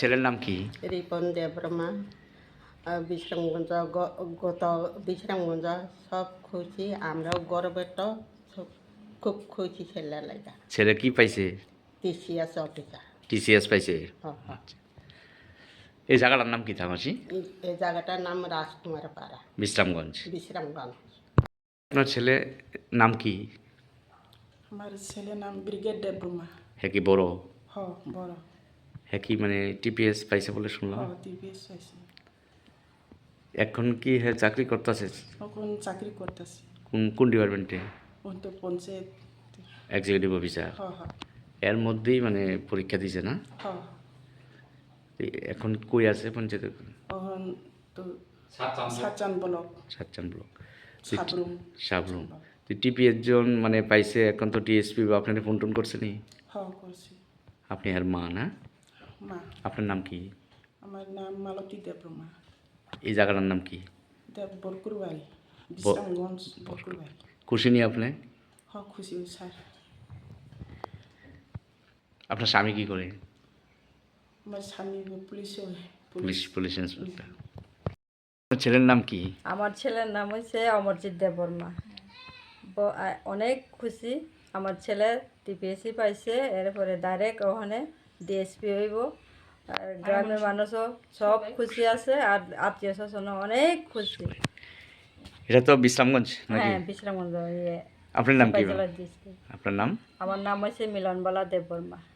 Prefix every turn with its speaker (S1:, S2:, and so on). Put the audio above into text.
S1: ছেলের নাম কি?
S2: রিপন দেববর্মা। বিশ্রামগঞ্জ গত বিশ্রামগঞ্জ সব খুশি, আমরাও গর্বিত, খুব খুশি ছেলে লাগা।
S1: ছেলে কি পাইছে?
S2: TCS officer.
S1: টিসিএস পাইছে।
S2: হ্যাঁ।
S1: আচ্ছা, এই জায়গাটার নাম কি থামাসি?
S2: এই জায়গাটার নাম রাজকুমার পাড়া,
S1: বিশ্রামগঞ্জ।
S2: বিশ্রামগঞ্জ।
S1: আপনার ছেলে নাম কি?
S3: আমার ছেলের নাম ব্রিগেড দেববর্মা।
S1: হ্যাঁ কি বড়?
S3: বড়।
S1: হ্যাঁ কি মানে টিপিএস পাইছে বলে শুনলাম।
S3: টিভিএস পাইছে।
S1: এখন কি হ্যাঁ চাকরি করতেছে?
S3: এখন চাকরি করতেছি।
S1: কোন ডিপার্টমেন্টে?
S3: ওই তো পঞ্চায়েত।
S1: Executive officer.
S3: হ্যাঁ।
S1: এর মধ্যেই মানে পরীক্ষা দিছে না? এখন কই আছে পঞ্চায়েত?
S3: এখন তো সাতচান ব্লক।
S1: সাতচান ব্লক,
S3: সাবরুম।
S1: টিপিএস জন মানে পাইছে, এখন তো টিএসপি বা আপনার ফোন টোন করছে নি?
S3: করছি।
S1: আপনি আর মা না?
S3: মা।
S1: আপনার নাম কি?
S3: আমার নাম মালতী দেববর্মা।
S1: এই জায়গাটার নাম কি?
S3: বরকুরবাড়ি, বিশ্রামগঞ্জ বরকুরবাড়ি।
S1: খুশি নি আপনি?
S3: খুশি স্যার।
S1: আপনার স্বামী কি করে?
S3: আমার স্বামী
S1: পুলিশ ইন্সপেক্টর। ছেলের নাম কি?
S4: আমার ছেলের নাম হচ্ছে অমরজিৎ দেববর্মা। অনেক খুশি, আমার ছেলে টিপিএসসি পাইছে, এরপরে ডাইরেক্ট ওখানে ডিএসপি হইব। আর গ্রামের মানুষও সব খুশি আছে, আর আত্মীয় স্বজনও অনেক খুশি।
S1: এটা তো বিশ্রামগঞ্জ নাকি?
S4: হ্যাঁ, বিশ্রামগঞ্জ।
S1: আপনার নাম কি?
S4: জেলার ডিস্ট্রিক্ট।
S1: আপনার নাম?
S4: আমার নাম হচ্ছে মিলনবালা দেববর্মা।